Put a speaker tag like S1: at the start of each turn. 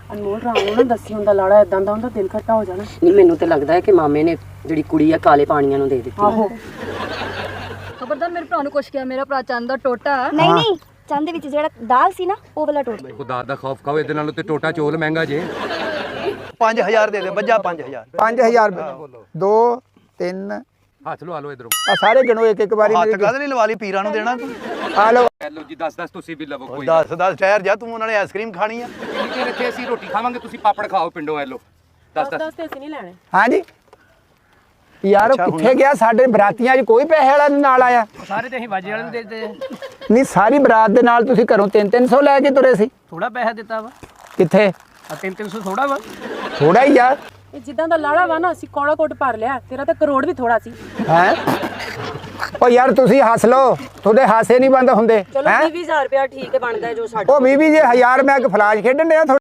S1: ਅਨਮੋਲ ਰਾਮ ਨੂੰ ਨਾ ਦੱਸੀ ਹੁੰਦਾ ਲਾੜਾ ਇਦਾਂ ਦਾ ਹੁੰਦਾ ਦਿਲ ਖੱਟਾ ਹੋ ਜਾਣਾ।
S2: ਨਹੀਂ ਮੈਨੂੰ ਤੇ ਲੱਗਦਾ ਹੈ ਕਿ ਮਾਮੇ ਨੇ ਜਿਹੜੀ ਕੁੜੀ ਆ ਕਾਲੇ ਪਾਣੀਆਂ ਨੂੰ ਦੇ ਦਿੱਤੀ।
S1: ਆਹੋ
S3: ਖਬਰਦਾਰ ਮੇਰੇ ਭਰਾ ਨੂੰ ਕੁਛ ਕਿਹਾ, ਮੇਰਾ ਭਰਾ ਚੰਦ ਦਾ ਟੋਟਾ।
S4: ਨਹੀਂ ਨਹੀਂ, ਚੰਦ ਦੇ ਵਿੱਚ ਜਿਹੜਾ ਦਾਲ ਸੀ ਨਾ ਉਹ ਵਾਲਾ ਟੋਟਾ।
S5: ਖੁਦਾ ਦਾ ਖੌਫ ਖਾਓ, ਇਹਦੇ ਨਾਲੋਂ ਤੇ ਟੋਟਾ ਚੋਲ ਮਹਿੰਗਾ ਜੇ।
S6: 5000 ਦੇ ਦੇ ਬੱਜਾ 5000
S7: 5000 2 3
S5: ਹੱਥ ਲਵਾ ਲਓ ਇਧਰੋਂ।
S7: ਆ ਸਾਰੇ ਗਿਣੋ ਇੱਕ ਇੱਕ ਵਾਰੀ
S6: ਹੱਥ ਕਾਹਦੇ ਲਈ ਲਵਾ ਲਈ, ਪੀਰਾਂ ਨੂੰ ਦੇਣਾ ਤੂੰ।
S7: ਆ ਲਓ
S5: ਲਓ ਜੀ 10 ਤੁਸੀਂ ਵੀ ਲਵੋ ਕੋਈ।
S6: 10 ਠਹਿਰ ਜਾ, ਤੂੰ ਉਹਨਾਂ ਨੇ ਆਈਸਕ੍ਰੀਮ ਖਾਣੀ ਆ।
S5: ਕਿੰਨੀ ਦੇਰ ਇੱਥੇ ਅਸੀਂ ਰੋਟੀ ਖਾਵਾਂਗੇ, ਤੁਸੀਂ ਪਾਪੜ ਖਾਓ ਪਿੰਡੋਂ। ਐ ਲਓ 10
S1: 10 ਤੇ ਅਸੀਂ ਨਹੀਂ ਲੈਣੇ।
S7: ਹਾਂਜੀ ਯਾਰ ਉਹ ਕਿੱਥੇ ਗਿਆ? ਸਾਡੇ ਬਰਾਤੀਆਂ 'ਚ ਕੋਈ ਪੈਸੇ ਵਾਲਾ ਨੀ ਨਾਲ ਆਇਆ।
S8: ਸਾਰੇ ਤੇ ਅਸੀਂ ਵਾਜੇ ਵਾਲੇ ਨੂੰ ਦੇ ਦਿੱਤੇ।
S7: ਨਹੀਂ ਸਾਰੀ ਬਰਾਤ ਦੇ ਨਾਲ ਤੁਸੀਂ ਘਰੋਂ 300 ਲੈ ਕੇ ਤੁਰੇ ਸੀ।
S8: ਥੋੜਾ ਪੈਸਾ ਦਿੱਤਾ ਵਾ।
S7: ਕਿੱਥੇ?
S8: ਆ 300 ਥੋੜਾ ਵਾ।
S7: ਥੋੜਾ ਹੀ ਯਾਰ।
S1: ਇਹ ਜਿੱਦਾਂ ਦਾ ਲਾੜਾ ਵਾ ਨਾ ਅਸੀਂ ਕੋੜਾ ਕੋਟ ਭਰ ਲਿਆ, ਤੇਰਾ ਤਾਂ ਕਰੋੜ ਵੀ ਥੋੜਾ ਸੀ।
S7: ਹੈ ਉਹ ਯਾਰ ਤੁਸੀਂ ਹੱਸ ਲਓ, ਤੁਹਾਡੇ ਹਾਸੇ ਨਹੀਂ ਬੰਦ ਹੁੰਦੇ।
S2: ਚਲੋ 20,000 ਰੁਪਇਆ ਠੀਕ ਹੈ ਬਣਦਾ ਜੋ ਸਾਡਾ।
S7: ਉਹ 20 ਜੇ 1000 ਮੈਂ ਇੱਕ ਫਲਾਸ਼ ਖੇਡਣ ਡਿਆ।